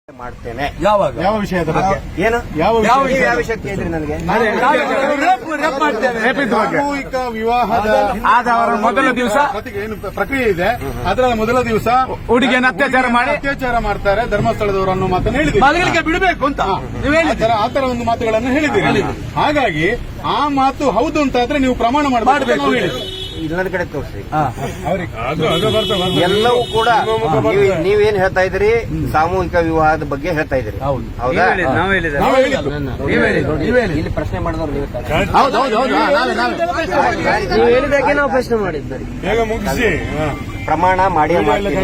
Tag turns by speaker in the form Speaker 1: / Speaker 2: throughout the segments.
Speaker 1: ಮಾಡ್ತೇನೆ.
Speaker 2: ಯಾವಾಗ
Speaker 3: ಯಾವ ವಿಷಯದ ಬಗ್ಗೆ?
Speaker 1: ಏನು
Speaker 3: ಯಾವ
Speaker 1: ವಿಷಯ ಕೇಳಿದ್ರಿ ನನಗೆ?
Speaker 3: ಸಾಮೂಹಿಕ ವಿವಾಹದ
Speaker 2: ಆದವರ ಮೊದಲ ದಿವಸ
Speaker 3: ಏನು ಪ್ರಕ್ರಿಯೆ ಇದೆ, ಅದರ ಮೊದಲ ದಿವಸ
Speaker 2: ಹುಡುಗಿಯನ್ನು
Speaker 3: ಅತ್ಯಾಚಾರ ಮಾಡ್ತಾರೆ ಧರ್ಮಸ್ಥಳದವರು ಅನ್ನೋ ಮಾತನ್ನು ಹೇಳಿದ್ದೀರಿ.
Speaker 2: ಮಗಳಿಗೆ ಬಿಡಬೇಕು ಅಂತ ನೀವು ಹೇಳಿದ್ದೀರಿ.
Speaker 3: ಆತರ ಒಂದು ಮಾತುಗಳನ್ನು ಹೇಳಿದ್ದೀರಿ. ಹಾಗಾಗಿ ಆ ಮಾತು ಹೌದು ಅಂತಾದ್ರೆ ನೀವು ಪ್ರಮಾಣ ಮಾಡಬೇಕು.
Speaker 1: ಇನ್ನೊಂದು ಕಡೆ ತೋರಿಸಿ. ಎಲ್ಲವೂ ಕೂಡ ನೀವೇನ್ ಹೇಳ್ತಾ ಇದ್ರಿ, ಸಾಮೂಹಿಕ ವಿವಾಹದ ಬಗ್ಗೆ ಹೇಳ್ತಾ ಇದ್ರಿ. ಹೌದಾ? ಇಲ್ಲಿ ಪ್ರಶ್ನೆ ಮಾಡಿದವ್ರು ನೀವು ಹೇಳಿದಾಗೆ ನಾವು ಪ್ರಶ್ನೆ ಮಾಡಿದ್ವಿ. ಪ್ರಮಾಣ ಮಾಡಿಯೇ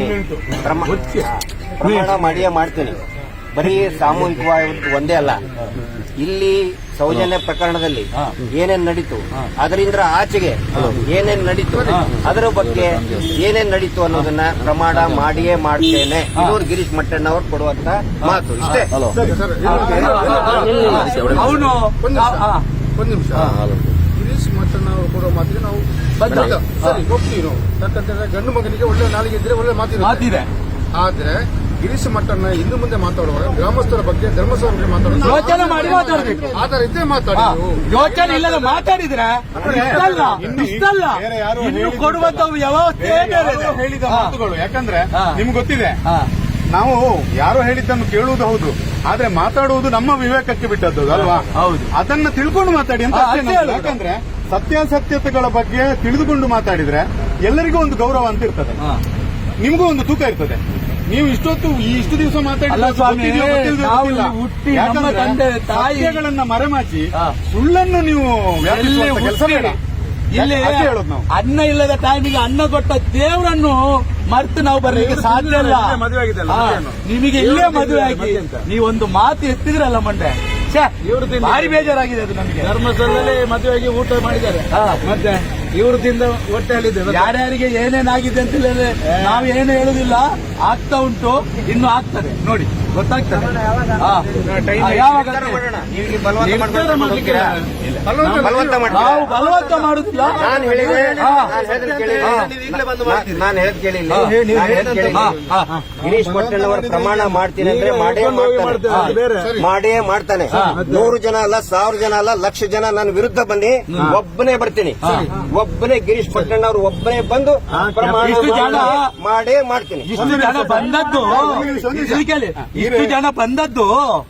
Speaker 1: ಮಾಡ್ತೀನಿ. ಬರೀ ಸಾಮೂಹಿಕ ವಿವಾಹ ಒಂದೇ ಅಲ್ಲ, ಇಲ್ಲಿ ಸೌಜನ್ಯ ಪ್ರಕರಣದಲ್ಲಿ ಏನೇನ್ ನಡೀತು, ಅದರಿಂದ ಆಚೆಗೆ ಏನೇನ್ ನಡೀತು, ಅದರ ಬಗ್ಗೆ ಏನೇನ್ ನಡೀತು ಅನ್ನೋದನ್ನ ಪ್ರಮಾಣ ಮಾಡಿಯೇ ಮಾಡ್ತೇನೆ. ಇನ್ನೂರು ಗಿರೀಶ್ ಮಟ್ಟಣ್ಣ ಅವರು ಕೊಡುವಂತ ಮಾತು ಇಷ್ಟೇ.
Speaker 2: ಅವನು
Speaker 4: ಒಂದು ನಿಮಿಷ, ಗಿರೀಶ್ ಮಟ್ಟಣ್ಣ ಅವರು ಕೊಡುವ ಮಾತಿಗೆ ನಾವು ಸರಿ ಹೋಗ್ತೀವಿ ನಾವು. ಯಾಕಂತಂದ್ರೆ ಗಂಡು ಮಗನಿಗೆ ಒಳ್ಳೆ ನಾಲಿಗೆ ಇದ್ರೆ ಒಳ್ಳೆ ಮಾತಿದೆ. ಆದ್ರೆ ಗಿರೀಶ್ ಮಟ್ಟಣ್ಣ ಇನ್ನು ಮುಂದೆ ಮಾತಾಡುವಾಗ ಗ್ರಾಮಸ್ಥರ ಬಗ್ಗೆ ಧರ್ಮಸ್ಥಳ ಬಗ್ಗೆ ಮಾತಾಡೋದು
Speaker 2: ಯೋಚನೆ ಮಾಡಿ ಮಾತಾಡಬೇಕು.
Speaker 4: ಆತರ ಇದ್ದೇ ಮಾತಾಡಿ.
Speaker 2: ಯೋಚನೆ ಇಲ್ಲದ ಮಾತಾಡಿದ್ರೆ ಇಷ್ಟಲ್ಲ ಇನ್ನು ಕೊಡುವಂತ ವ್ಯವಸ್ಥೆ
Speaker 3: ಹೇಳಿದ ಮಾತುಗಳು. ಯಾಕಂದ್ರೆ ನಿಮ್ಗೆ ಗೊತ್ತಿದೆ, ನಾವು ಯಾರೋ ಹೇಳಿದ್ದನ್ನು ಕೇಳುವುದು ಹೌದು, ಆದ್ರೆ ಮಾತಾಡುವುದು ನಮ್ಮ ವಿವೇಕಕ್ಕೆ ಬಿಟ್ಟದ್ದು ಅಲ್ವಾ?
Speaker 2: ಹೌದು.
Speaker 3: ಅದನ್ನ ತಿಳ್ಕೊಂಡು ಮಾತಾಡಿ ಅಂತ. ಯಾಕಂದ್ರೆ ಸತ್ಯಾಸತ್ಯತೆಗಳ ಬಗ್ಗೆ ತಿಳಿದುಕೊಂಡು ಮಾತಾಡಿದ್ರೆ ಎಲ್ಲರಿಗೂ ಒಂದು ಗೌರವ ಅಂತ ಇರ್ತದೆ, ನಿಮಗೂ ಒಂದು ತೂಕ ಇರ್ತದೆ. ನೀವು ಇಷ್ಟು ದಿವಸ ಸತ್ಯಗಳನ್ನ ಮರೆಮಾಚಿ ಸುಳ್ಳನ್ನು ನೀವು ಕೆಲಸ ಬೇಡ.
Speaker 2: ಇಲ್ಲಿ
Speaker 3: ಹೇಳೋದು ನಾವು
Speaker 2: ಅನ್ನ ಇಲ್ಲದ ಟೈಮಿಗೆ ಅನ್ನ ಕೊಟ್ಟ ದೇವರನ್ನು ಮರ್ತು ನಾವು ಬರ್ಲಿಕ್ಕೆ ಸಾಧ್ಯ ಇಲ್ಲ. ನಿಮಗೆ ಇಲ್ಲೇ ಮದುವೆ ಆಗಿ ನೀವೊಂದು ಮಾತು ಎತ್ತಿದ್ರಲ್ಲ ಮಂಡೆ, ಭಾರಿ ಬೇಜಾರಾಗಿದೆ ಅದು ನಮಗೆ.
Speaker 4: ಧರ್ಮಸ್ಥಳದಲ್ಲಿ ಮದುವೆಗೆ ಊಟ ಮಾಡಿದ್ದಾರೆ, ಮತ್ತೆ ಇವರು ತಿಂದ ಹೊಟ್ಟೆಯಲ್ಲಿದೆ.
Speaker 2: ಯಾರ್ಯಾರಿಗೆ ಏನೇನಾಗಿದೆ ಅಂತ ಹೇಳಿದ್ರೆ ನಾವು ಏನು ಹೇಳುದಿಲ್ಲ, ಆಗ್ತಾ ಉಂಟು, ಇನ್ನು ಆಗ್ತದೆ ನೋಡಿ, ಗೊತ್ತಾಗ್ತದೆ.
Speaker 1: ಯಾವಾಗ ನಾವು ಬಲವಂತ ಮಾಡುದಿಲ್ಲ. ನಾನು ಹೇಳಿದೆ ಗಿರೀಶ್ ಮಟ್ಟಣ್ಣ ಅವರು ಪ್ರಮಾಣ ಮಾಡ್ತೀನಿ ಅಂದ್ರೆ ಮಾಡೇ ಮಾಡ್ತಾನೆ. 100 ಜನ ಅಲ್ಲ, 1000 ಜನ ಅಲ್ಲ, 1,00,000 ಜನ ನನ್ನ ವಿರುದ್ಧ ಬನ್ನಿ, ಒಬ್ಬನೇ ಬರ್ತೀನಿ. ಒಬ್ಬನೇ ಗಿರೀಶ್ ಪಟ್ಟಣ್ಣ ಅವರು ಒಬ್ಬನೇ ಬಂದು ಪ್ರಮಾಣ ಮಾಡೇ ಮಾಡ್ತೀನಿ.
Speaker 2: ಇಷ್ಟು ಜನ ಬಂದದ್ದು ಇಷ್ಟು ಜನ ಬಂದದ್ದು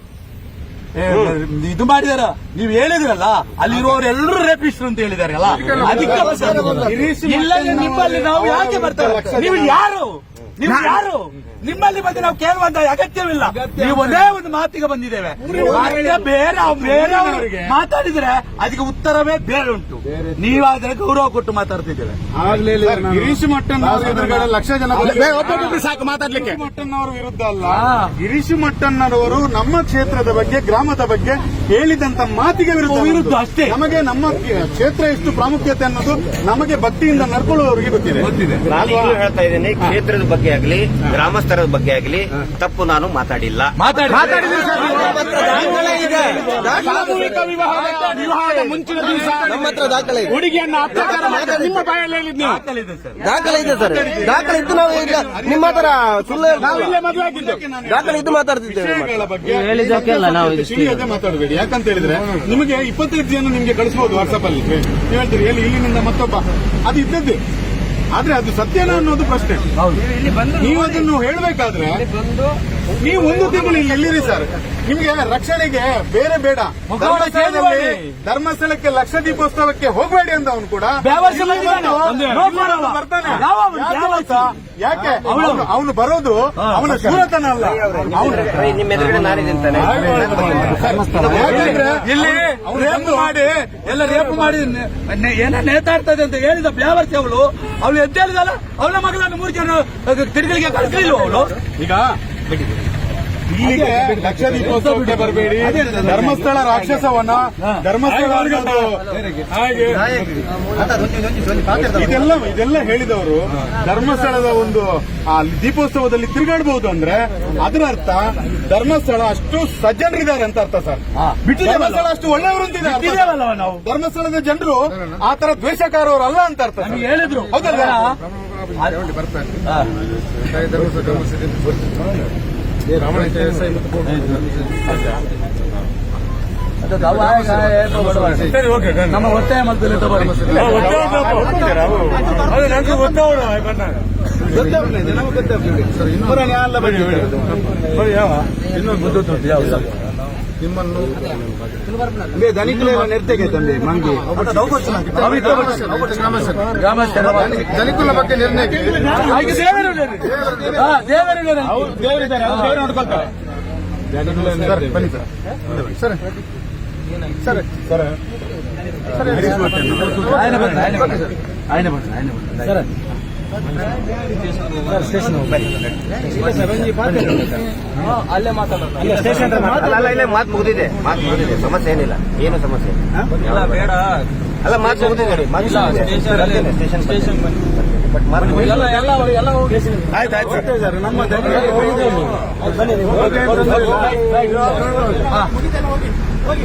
Speaker 2: ಇದು ಮಾಡಿದಾರ. ನೀವು ಹೇಳಿದ್ರಲ್ಲ, ಅಲ್ಲಿರುವವರೆಲ್ಲರೂ ರೇಪಿಸ್ಟ್ರು ಅಂತ ಹೇಳಿದಾರಲ್ಲ, ಅದಕ್ಕೆ ಇಲ್ಲ. ನಿಮ್ಮಲ್ಲಿ ನಾವು ಯಾಕೆ ಬರ್ತೇವೆ? ನೀವು ಯಾರು ನಿಮ್ಮಲ್ಲಿ ಬಂದು ನಾವು ಕೇಳುವಂತ ಅಗತ್ಯವಿಲ್ಲ. ನೀವು ಒಂದೇ ಒಂದು ಮಾತಿಗೆ ಬಂದಿದ್ದೇವೆ. ಬೇರೆ ಮಾತಾಡಿದ್ರೆ ಅದಕ್ಕೆ ಉತ್ತರವೇ ಬೇರೆ ಉಂಟು. ನೀವಾದ್ರೆ ಗೌರವ ಕೊಟ್ಟು ಮಾತಾಡ್ತಿದ್ದೇವೆ.
Speaker 3: ಗಿರೀಶ್ ಮಟ್ಟಣ್ಣ ಎದುರುಗಡೆ 1,00,000 ಜನ
Speaker 2: ಸಾಕು ಮಾತಾಡ್ಲಿಕ್ಕೆ.
Speaker 3: ಮಟ್ಟಣ್ಣವರ ವಿರುದ್ಧ ಅಲ್ಲ, ಗಿರೀಶ್ ಮಟ್ಟಣ್ಣರವರು ನಮ್ಮ ಕ್ಷೇತ್ರದ ಬಗ್ಗೆ, ಗ್ರಾಮದ ಬಗ್ಗೆ ಹೇಳಿದಂತ ಮಾತಿಗೆ ವಿರುದ್ಧ
Speaker 2: ಅಷ್ಟೇ.
Speaker 3: ನಮಗೆ ನಮ್ಮ ಕ್ಷೇತ್ರ ಎಷ್ಟು ಪ್ರಾಮುಖ್ಯತೆ ಅನ್ನೋದು ನಮಗೆ ಭಕ್ತಿಯಿಂದ ನಡ್ಕೊಳ್ಳುವವರಿಗೆ ಗೊತ್ತಿದೆ.
Speaker 1: ನಾನು ಹೇಳ್ತಾ ಇದ್ದೇನೆ, ಕ್ಷೇತ್ರದ ಬಗ್ಗೆ ಆಗಲಿ, ಗ್ರಾಮಸ್ಥರ ಬಗ್ಗೆ ಆಗಲಿ ತಪ್ಪು ನಾನು ಮಾತಾಡಿಲ್ಲ.
Speaker 2: ವಿವಾಹದ ಮುಂಚಿನ ದಿವಸ ನಮ್ಮ ಹತ್ರ ದಾಖಲೆ ಇದೆ. ಹುಡುಗಿಯನ್ನು ಅತ್ಯಾಚಾರ ಮಾಡಿದ ನಿಮ್ಮ ಬಾಯಲ್ಲಿ ಹೇಳಿದ್ನಿ.
Speaker 1: ದಾಖಲೆ ಇದೆ ಸರ್, ದಾಖಲೆ ಇದ್ದು ನಾವು ಈಗ ನಿಮ್ಮ ಹತ್ರ ಸುಳ್ಳು
Speaker 2: ಮದುವೆ ಆಗಿದ್ದು
Speaker 1: ದಾಖಲೆ ಇದ್ದು ಮಾತಾಡ್ತಿದ್ದೇವೆ.
Speaker 3: ತಿಳಿಯದೆ ಮಾತಾಡಬೇಡಿ. ಯಾಕಂತ ಹೇಳಿದ್ರೆ ನಿಮಗೆ 25 ಜನ ನಿಮ್ಗೆ ಕಳಿಸಬಹುದು ವಾಟ್ಸ್ಆಪ್ ಅಲ್ಲಿ. ನೀವು ಹೇಳ್ತೀರಿ ಇಲ್ಲಿನಿಂದ ಮತ್ತೊಬ್ಬ, ಅದು ಇದ್ದದ್ದೇ. ಆದ್ರೆ ಅದು ಸತ್ಯನ ಅನ್ನೋದು ಪ್ರಶ್ನೆ. ನೀವು ಅದನ್ನು ಹೇಳಬೇಕಾದ್ರೆ ನೀವು 1 ತಿಂಗಳು ಎಲ್ಲಿರಿ ಸರ್? ನಿಮ್ಗೆ ರಕ್ಷಣೆಗೆ ಬೇರೆ ಬೇಡ. ಧರ್ಮಸ್ಥಳಕ್ಕೆ ಲಕ್ಷ ದೀಪೋತ್ಸವಕ್ಕೆ ಹೋಗಬೇಡಿ ಅಂತ ಅವನು ಕೂಡ ಬರ್ತಾನೆ. ಯಾಕೆ ಅವನು ಬರೋದು ಅವನ ಶೂರತನ ಅಲ್ಲ.
Speaker 1: ನಿಮ್ಮ ಎದುರುಗಡೆ ನಾನಿದಂತಾನೆ
Speaker 2: ಇಲ್ಲಿ ರೇಪ್ ಮಾಡಿ ಎಲ್ಲ ರೇಪ್ ಮಾಡಿ ಏನೋ ನೇತಾಡ್ತದೆ ಅಂತ ಹೇಳಿದ ಬ್ಯಾವರ್ಸಿ ಅವಳು ಎದ್ದೇಳಿದಲ್ಲ, ಅವಳ ಮಗಳನ್ನು 3 ಜನ ತಿರುಗಲಿಗೆ ಕಳಿಸಲಿಲ್ಲ ಅವಳು.
Speaker 3: ಈಗ ಇಲ್ಲಿಗೆ ಲಕ್ಷ ದೀಪೋತ್ಸವಕ್ಕೆ ಬರಬೇಡಿ, ಧರ್ಮಸ್ಥಳ ರಾಕ್ಷಸವನ, ಧರ್ಮಸ್ಥಳ ಹಾಗೆ ಇದೆಲ್ಲ ಹೇಳಿದವರು ಧರ್ಮಸ್ಥಳದ ಒಂದು ದೀಪೋತ್ಸವದಲ್ಲಿ ತಿರುಗಾಡಬಹುದು ಅಂದ್ರೆ ಅದರ ಅರ್ಥ ಧರ್ಮಸ್ಥಳ ಅಷ್ಟು ಸಜ್ಜನರಿದ್ದಾರೆ ಅಂತ ಅರ್ಥ ಸರ್. ಧರ್ಮಸ್ಥಳ ಅಷ್ಟು ಒಳ್ಳೆಯವರು ಅಂತಿದ್ದಾರೆ. ನಾವು ಧರ್ಮಸ್ಥಳದ ಜನರು ಆ ತರ ದ್ವೇಷಕಾರವರಲ್ಲ ಅಂತ ಅರ್ಥ
Speaker 2: ಹೇಳಿದ್ರು.
Speaker 3: ಹೌದಲ್ಲ?
Speaker 4: SI ಮತ್ತು
Speaker 2: ಸರಿ ಓಕೆ ನಮ್ಮ ಒತ್ತಾಯ ಮಾಡ್ತಾರೆ
Speaker 4: ಸರ್ ನಿಮ್ಮನ್ನು ಧನಿಕುಲ ಬಗ್ಗೆ ನಿರ್ಣಯಕ್ಕೆ ಸರ್ ಬನ್ನಿ ಸರ್ ಸರ್ ಸರ್
Speaker 2: ಅಲ್ಲೇ ಮಾತಾಡೋದು
Speaker 1: ಇಲ್ಲೇ ಮಾತು ಮುಗಿದಿದೆ ಸಮಸ್ಯೆ ಏನಿಲ್ಲ ಏನು ಸಮಸ್ಯೆ ಇಲ್ಲ
Speaker 2: ಬೇಡ
Speaker 1: ಅಲ್ಲ ಮಾತು ಮುಗಿದಿದೆ ಸ್ಟೇಷನ್ ಬಟ್ ಮಾತು
Speaker 2: ಎಲ್ಲ ಹೋಗಿ
Speaker 3: ಆಯ್ತು
Speaker 2: ನಮ್ಮ